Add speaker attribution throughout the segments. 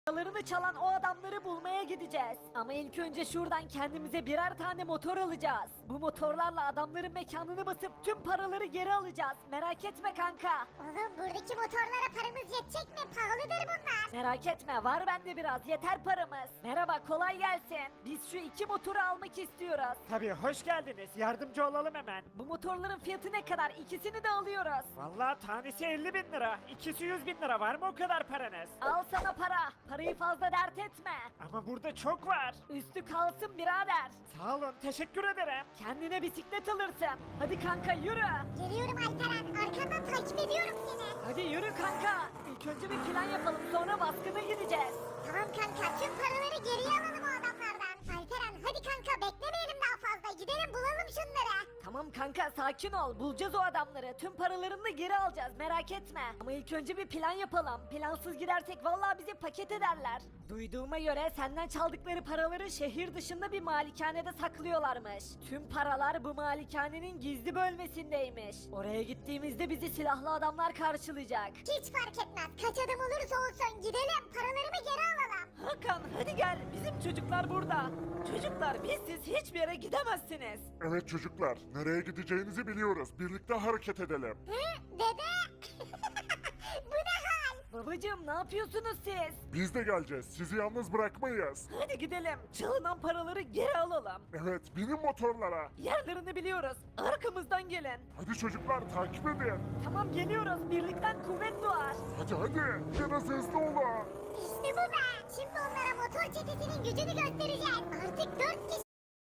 Speaker 1: Paralarını çalan o adamları bulmaya gideceğiz. Ama ilk önce şuradan kendimize birer tane motor alacağız. Bu motorlarla adamların mekanını basıp tüm paraları geri alacağız. Merak etme kanka.
Speaker 2: Oğlum buradaki motorlara paramız yetecek mi? Pahalıdır bunlar.
Speaker 1: Merak etme, var bende biraz, yeter paramız. Merhaba, kolay gelsin. Biz şu 2 motoru almak istiyoruz.
Speaker 3: Tabii, hoş geldiniz. Yardımcı olalım hemen.
Speaker 1: Bu motorların fiyatı ne kadar? İkisini de alıyoruz.
Speaker 3: Vallahi tanesi 50.000 lira. İkisi 100.000 lira. Var mı o kadar paranız?
Speaker 1: Al sana para. Parayı fazla dert etme.
Speaker 3: Ama burada çok var.
Speaker 1: Üstü kalsın birader.
Speaker 3: Sağ olun, teşekkür ederim.
Speaker 1: Kendine bisiklet alırsın. Hadi kanka yürü.
Speaker 2: Geliyorum Alperen. Arkandan takip ediyorum seni.
Speaker 1: Hadi yürü kanka. İlk önce bir plan yapalım, sonra baskına gideceğiz.
Speaker 2: Tamam kanka tüm paraları geriye alalım o adamlardan. Alperen hadi kanka beklemeyelim daha fazla. Gidelim bulalım şunları.
Speaker 1: Tamam kanka, sakin ol. Bulacağız o adamları. Tüm paralarını da geri alacağız, merak etme. Ama ilk önce bir plan yapalım. Plansız gidersek vallahi bizi paket ederler. Duyduğuma göre senden çaldıkları paraları şehir dışında bir malikanede saklıyorlarmış. Tüm paralar bu malikanenin gizli bölmesindeymiş. Oraya gittiğimizde bizi silahlı adamlar karşılayacak.
Speaker 2: Hiç fark etmez. Kaç adam olursa olsun gidelim. Paralarımı geri alalım.
Speaker 1: Hakan hadi gel, bizim çocuklar burada. Çocuklar, bizsiz hiçbir yere gidemezsiniz.
Speaker 4: Evet çocuklar, nereye gideceğinizi biliyoruz. Birlikte hareket edelim.
Speaker 2: Hı? Dede? Bu ne hal?
Speaker 1: Babacığım, ne yapıyorsunuz siz?
Speaker 4: Biz de geleceğiz. Sizi yalnız bırakmayız.
Speaker 1: Hadi gidelim. Çalınan paraları geri alalım.
Speaker 4: Evet, binin motorlara.
Speaker 1: Yerlerini biliyoruz. Arkamızdan gelin.
Speaker 4: Hadi çocuklar, takip edin.
Speaker 1: Tamam, geliyoruz. Birlikten kuvvet doğar.
Speaker 4: Hadi, biraz hızlı olun.
Speaker 2: İşte bu be. Şimdi onlara motor çetesinin gücünü göstereceğiz. Artık 4 kişi.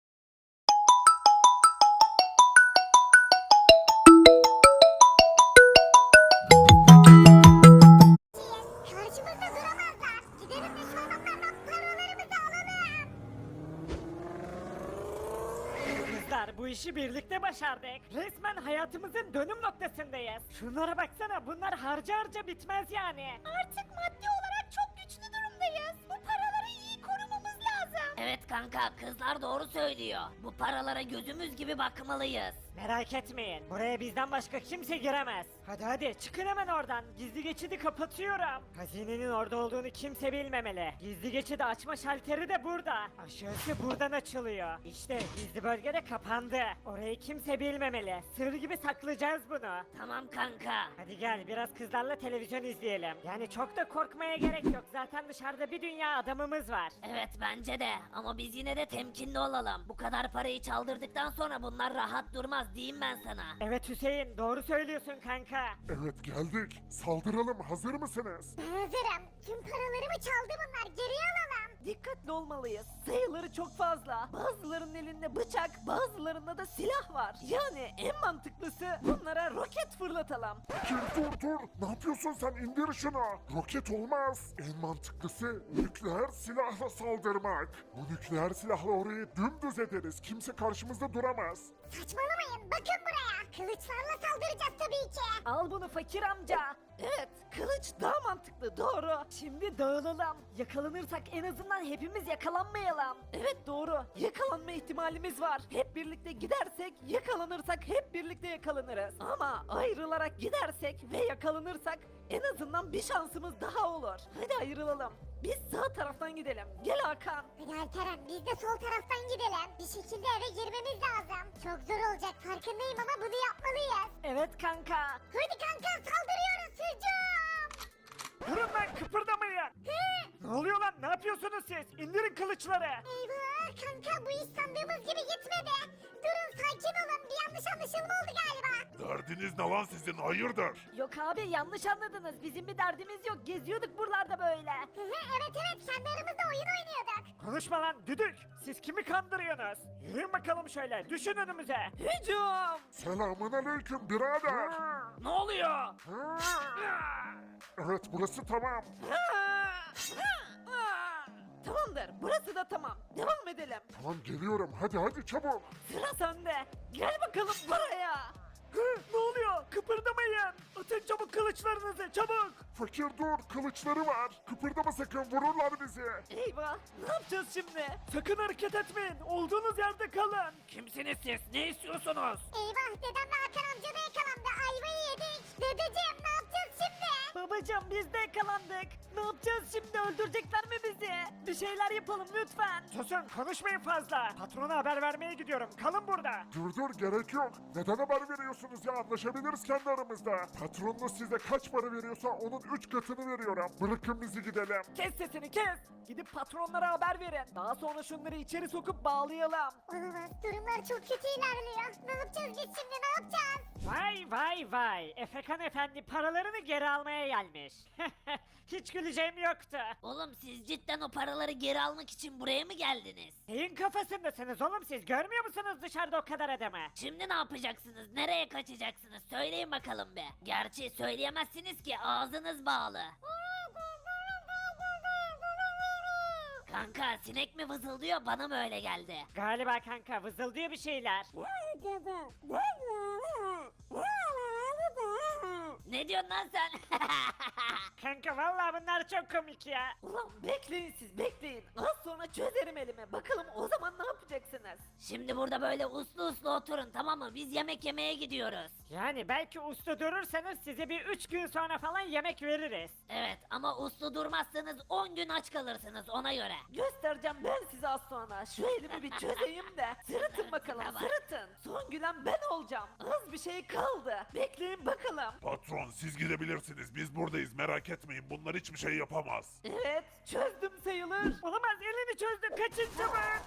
Speaker 2: Karşımızda duramazlar. Gidelim de şu adamlardan paralarımızı alalım.
Speaker 3: Kızlar, bu işi birlikte başardık. Resmen hayatımızın dönüm noktasındayız. Şunlara baksana, bunlar harca harca bitmez yani.
Speaker 2: Artık maddi olarak çok güçlü durumdayız. Bu paraları iyi korumamız lazım.
Speaker 5: Evet kanka, kızlar doğru söylüyor. Bu paralara gözümüz gibi bakmalıyız.
Speaker 3: Merak etmeyin, buraya bizden başka kimse giremez. Hadi çıkın hemen oradan. Gizli geçidi kapatıyorum. Hazinenin orada olduğunu kimse bilmemeli. Gizli geçidi açma şalteri de burada. Aşağısı buradan açılıyor. İşte gizli bölge de kapandı. Orayı kimse bilmemeli. Sır gibi saklayacağız bunu.
Speaker 5: Tamam kanka.
Speaker 3: Hadi gel, biraz kızlarla televizyon izleyelim. Yani çok da korkmaya gerek yok. Zaten dışarıda bir dünya adamımız var.
Speaker 5: Evet bence de, ama biz yine de temkinli olalım. Bu kadar parayı çaldırdıktan sonra bunlar rahat durmaz diyeyim ben sana.
Speaker 3: Evet Hüseyin, doğru söylüyorsun kanka.
Speaker 4: Evet, geldik. Saldıralım, hazır mısınız?
Speaker 2: Ben hazırım. Tüm paralarımı çaldı bunlar. Geriye alalım.
Speaker 1: Dikkatli olmalıyız. Sayıları çok fazla. Bazılarının elinde bıçak, bazılarında da silah var. Yani en mantıklısı bunlara roket fırlatalım.
Speaker 4: Fakir dur. Ne yapıyorsun sen? İndir şunu. Roket olmaz. En mantıklısı nükleer silahla saldırmak. Bu nükleer silahla orayı dümdüz ederiz. Kimse karşımızda duramaz.
Speaker 2: Saçmalamayın. Bakın buraya. Kılıçlarla saldıracağız tabii ki.
Speaker 1: Al bunu fakir amca. Evet, kılıç daha mantıklı, doğru. Şimdi dağılalım. Yakalanırsak en azından hepimiz yakalanmayalım. Evet doğru, yakalanma ihtimalimiz var. Hep birlikte gidersek, yakalanırsak hep birlikte yakalanırız. Ama ayrılarak gidersek ve yakalanırsak en azından bir şansımız daha olur. Hadi ayrılalım. Biz sağ taraftan gidelim. Gel Hakan.
Speaker 2: Hadi Alperen biz de sol taraftan gidelim. Bir şekilde eve girmemiz lazım. Çok zor olacak farkındayım ama bunu yapmalıyız.
Speaker 1: Evet kanka.
Speaker 2: Hadi kanka saldırıyoruz hücum.
Speaker 3: Durun lan, kıpırdamayın. Ne oluyor lan, ne yapıyorsunuz siz? İndirin kılıçları.
Speaker 2: Eyvah kanka bu iş sandığımız gibi gitmedi. Durun sakin olun bir yanlış anlaşılma oldu galiba.
Speaker 4: Derdiniz ne lan sizin? Hayırdır?
Speaker 1: Yok abi, yanlış anladınız. Bizim bir derdimiz yok. Geziyorduk buralarda böyle.
Speaker 2: Evet kendi aramızda oyun oynuyorduk.
Speaker 3: Konuşma lan düdük. Siz kimi kandırıyorsunuz? Yürüyün bakalım şöyle, düşün önümüze.
Speaker 1: Hücum!
Speaker 4: Selamun aleyküm birader.
Speaker 3: Ne oluyor?
Speaker 4: Evet, burası tamam.
Speaker 1: Tamamdır, burası da tamam. Devam edelim.
Speaker 4: Tamam, geliyorum. Hadi çabuk.
Speaker 1: Sıra sende. Gel bakalım buraya.
Speaker 3: Ne oluyor? Kıpırdamayın. Atın çabuk kılıçlarınızı, çabuk.
Speaker 4: Fakir dur, kılıçları var. Kıpırdama sakın, vururlar bizi.
Speaker 1: Eyvah, ne yapacağız şimdi?
Speaker 3: Sakın hareket etmeyin. Olduğunuz yerde kalın. Kimsiniz siz? Ne istiyorsunuz?
Speaker 2: Eyvah dedemle Hakan amca da yakalandı ayvayı yedik. Dedeciğim ne yapacağız şimdi?
Speaker 1: Babacım biz de yakalandık. Ne yapacağız şimdi, öldürecekler mi bizi? Bir şeyler yapalım lütfen.
Speaker 3: Susun konuşmayın fazla. Patrona haber vermeye gidiyorum. Kalın burada.
Speaker 4: Dur gerek yok. Neden haber veriyorsunuz ya? Anlaşabiliriz kendi aramızda. Patronunuz size kaç para veriyorsa onun 3 katını veriyorum. Bırakın bizi gidelim.
Speaker 1: Kes sesini kes. Gidip patronlara haber verin. Daha sonra şunları içeri sokup bağlayalım.
Speaker 2: Olamaz, durumlar çok kötü ilerliyor. Ne yapacağız biz şimdi, ne yapacağız?
Speaker 3: Vay. Efekan efendi paralarını geri almaya gelmiş. Hiç güleceğim yoktu.
Speaker 5: Oğlum siz cidden o paraları geri almak için buraya mı geldiniz?
Speaker 3: Neyin kafasındasınız oğlum siz? Görmüyor musunuz dışarıda o kadar adamı?
Speaker 5: Şimdi ne yapacaksınız? Nereye kaçacaksınız? Söyleyin bakalım be. Gerçi söyleyemezsiniz ki ağzınız bağlı. Kanka sinek mi vızıldıyor bana mı öyle geldi?
Speaker 3: Galiba kanka vızıldıyor bir şeyler.
Speaker 5: Ne diyorsun lan sen?
Speaker 3: Kanka vallahi bunlar çok komik ya.
Speaker 1: Ulan bekleyin siz, bekleyin. Az sonra çözerim elimi. Bakalım o zaman ne yapacaksınız?
Speaker 5: Şimdi burada böyle uslu uslu oturun tamam mı? Biz yemek yemeye gidiyoruz.
Speaker 3: Yani belki uslu durursanız size bir 3 gün sonra falan yemek veririz.
Speaker 5: Evet ama uslu durmazsanız 10 gün aç kalırsınız ona göre.
Speaker 1: Göstereceğim ben size az sonra. Şu elimi bir çözeyim de. Sırıtın bakalım,
Speaker 5: Tamam.
Speaker 1: sırıtın. Son gülen ben olacağım. Az bir şey kaldı. Bekleyin bakalım.
Speaker 4: Patron siz gidebilirsiniz. Biz buradayız. Merak etmeyin. Bunlar hiçbir şey yapamaz.
Speaker 1: Evet, çözdüm sayılır.
Speaker 3: Olamaz elini çözdüm kaçın çabuk.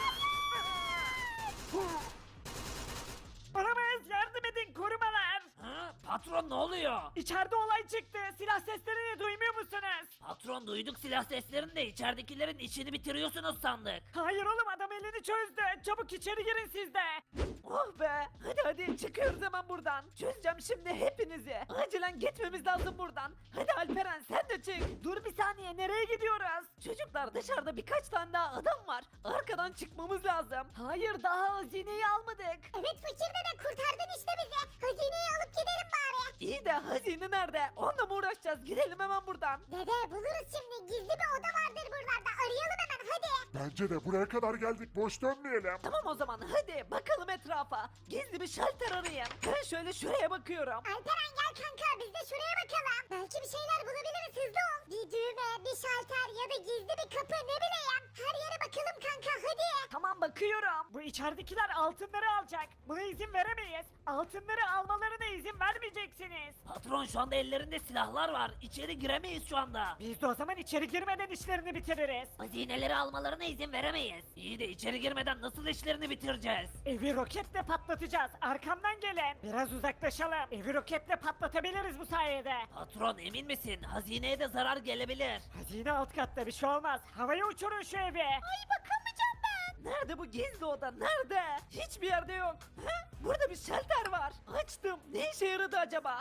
Speaker 3: Olamaz yardım edin korumalar.
Speaker 5: Ha, patron ne oluyor?
Speaker 3: İçeride olay çıktı. Silah seslerini duymuyor musunuz?
Speaker 5: Patron duyduk silah seslerini de içeridekilerin işini bitiriyorsunuz sandık.
Speaker 3: Hayır oğlum adam elini çözdü. Çabuk içeri girin siz de.
Speaker 1: Oh be. Hadi çıkıyoruz hemen buradan. Çözeceğim şimdi hepinizi. Acilen gitmemiz lazım buradan. Hadi Alperen sen de çık. Dur bir saniye, nereye gidiyoruz? Çocuklar dışarıda birkaç tane daha adam var. Arkadan çıkmamız lazım. Hayır, daha hazineyi almadık.
Speaker 2: Evet fakir dede, kurtardın işte bizi. Hazineyi alıp gidelim bari.
Speaker 1: İyi de hazine nerede? Onunla mı uğraşacağız? Gidelim hemen buradan.
Speaker 2: Dede buluruz şimdi, gizli bir oda vardır buralarda. Arayalım hemen hadi.
Speaker 4: Bence de buraya kadar geldik. Boş dönmeyelim.
Speaker 1: Tamam o zaman hadi bakalım etrafa. Gizli bir şalter arayın. Ben şöyle şuraya bakıyorum.
Speaker 2: Alperen gel kanka, biz de şuraya bakalım. Belki bir şeyler bulabiliriz, hızlı ol. Bir düğme, bir şalter ya da gizli bir kapı, ne bileyim. Her yere bakalım kanka hadi.
Speaker 1: Tamam bakıyorum.
Speaker 3: Bu içeridekiler altınları alacak. Buna izin veremeyiz. Altınları almalarına izin vermeyeceksiniz.
Speaker 5: Patron şu anda ellerinde silahlar var. İçeri giremeyiz şu anda.
Speaker 3: Biz de o zaman içeri girmeden işlerini bitiririz.
Speaker 5: Hazineleri almalarına izin veremeyiz. İyi de içeri girmeden nasıl işlerini bitireceğiz?
Speaker 3: Evi roketle patlatacağız. Arkamdan gelin. Biraz uzaklaşalım. Evi roketle patlatabiliriz bu sayede.
Speaker 5: Patron emin misin? Hazineye de zarar gelebilir.
Speaker 3: Hazine alt katta bir şey olmaz. Havaya uçurun şu evi.
Speaker 1: Ay bakamayacağım ben. Nerede bu gizli oda? Nerede? Hiçbir yerde yok. Burada bir şalter var. Açtım. Ne işe yaradı acaba?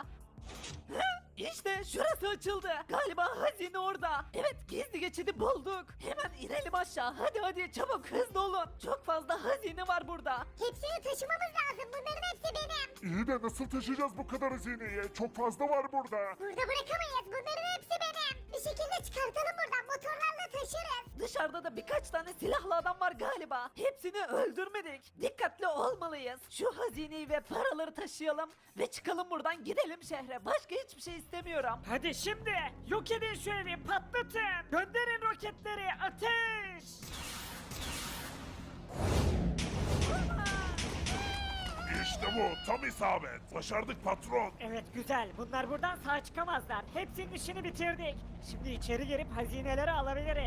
Speaker 1: İşte şurası açıldı. Galiba hazine orada. Evet, gizli geçidi bulduk. Hemen inelim aşağı. Hadi çabuk, hızlı olun. Çok fazla hazine var burada.
Speaker 2: Hepsini taşımamız lazım, bunların hepsi benim.
Speaker 4: İyi de nasıl taşıyacağız bu kadar hazineyi? Çok fazla var burada.
Speaker 2: Burada bırakamayız, bunların hepsi benim. Bir şekilde çıkartalım buradan, motorlarla taşırız.
Speaker 1: Dışarıda da birkaç tane silahlı adam var galiba. Hepsini öldürmedik. Dikkatli olmalıyız. Şu hazineyi ve paraları taşıyalım ve çıkalım buradan, gidelim şehre. Başka hiçbir şey istemiyorum.
Speaker 3: Hadi şimdi yok edin şu evi patlatın. Gönderin roketleri ateş.
Speaker 4: İşte bu. Tam isabet. Başardık patron.
Speaker 3: Evet güzel. Bunlar buradan sağ çıkamazlar. Hepsinin işini bitirdik. Şimdi içeri girip hazineleri alabiliriz.